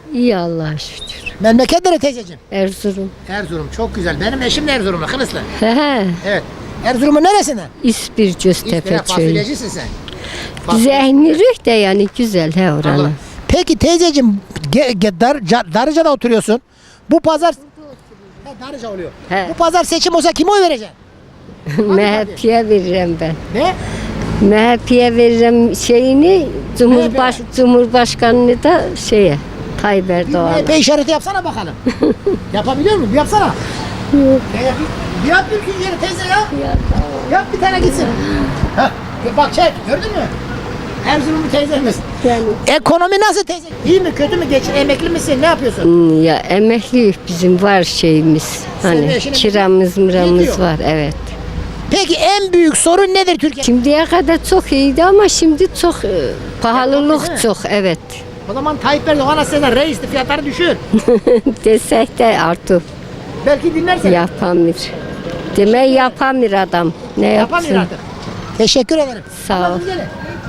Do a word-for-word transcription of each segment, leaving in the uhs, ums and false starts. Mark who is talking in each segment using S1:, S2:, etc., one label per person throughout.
S1: İyi Allah'a şükür.
S2: Memleket nere teyzeciğim?
S1: Erzurum.
S2: Erzurum. Çok güzel. Benim eşim de Erzurumlu. Kılıçlı.
S1: He he.
S2: Evet. Erzurum'un neresinden?
S1: İspir Göztepe
S2: İspire
S1: köyü.
S2: fasulyecisin sen.
S1: Zehnirik de yani güzel he
S2: Allah.
S1: oranın.
S2: Peki teyzeciğim ge, ge, dar, Ca- Darıca'da oturuyorsun. Bu pazar He, Darıca oluyor.
S1: He.
S2: Bu pazar seçim olsa kime oy vereceksin?
S1: M H P'ye veririm ben.
S2: Ne?
S1: M H P'ye veririm şeyini, Cumhurbaş Cumhurbaşkanını da şeye, Tayyip
S2: Bir
S1: Erdoğan.
S2: M H P işareti yapsana bakalım. Yapabiliyor musun? Bir yapsana.
S1: Yok.
S2: Teyze, bir, bir yap bir yeri teyze ya.
S1: Ya,
S2: Yap bir tane gitsin. Heh, bak çek gördün mü? Erzurumlu teyzemiz.
S1: yani,
S2: Ekonomi nasıl teyze? İyi mi kötü mü geçin? Emekli misin? Ne yapıyorsun?
S1: hmm, ya emekli bizim var şeyimiz.
S2: Senin
S1: Hani
S2: eşinin
S1: kiramız mıramız
S2: yetiyor.
S1: var evet.
S2: Peki en büyük sorun nedir Türkiye?
S1: Şimdiye kadar çok iyiydi ama şimdi çok e,
S2: Ekonomi değil mi?
S1: pahalılık çok evet.
S2: O zaman Tayyip Erdoğan aslında reisti fiyatları düşür.
S1: Desek de artık
S2: Belki dinlersen.
S1: yapamır. Demek yapamır adam. Ne
S2: Yapamıyor
S1: yapsın?
S2: artık. Teşekkür ederim.
S1: Sağ ol.
S2: Anladın gelin.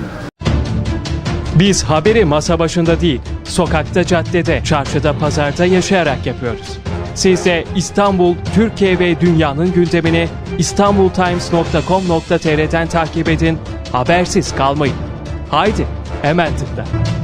S3: Biz haberi masa başında değil, sokakta, caddede, çarşıda, pazarda yaşayarak yapıyoruz. Siz de İstanbul, Türkiye ve dünyanın gündemini istanbultimes nokta com nokta tr'den takip edin, habersiz kalmayın. Haydi, hemen tıkla.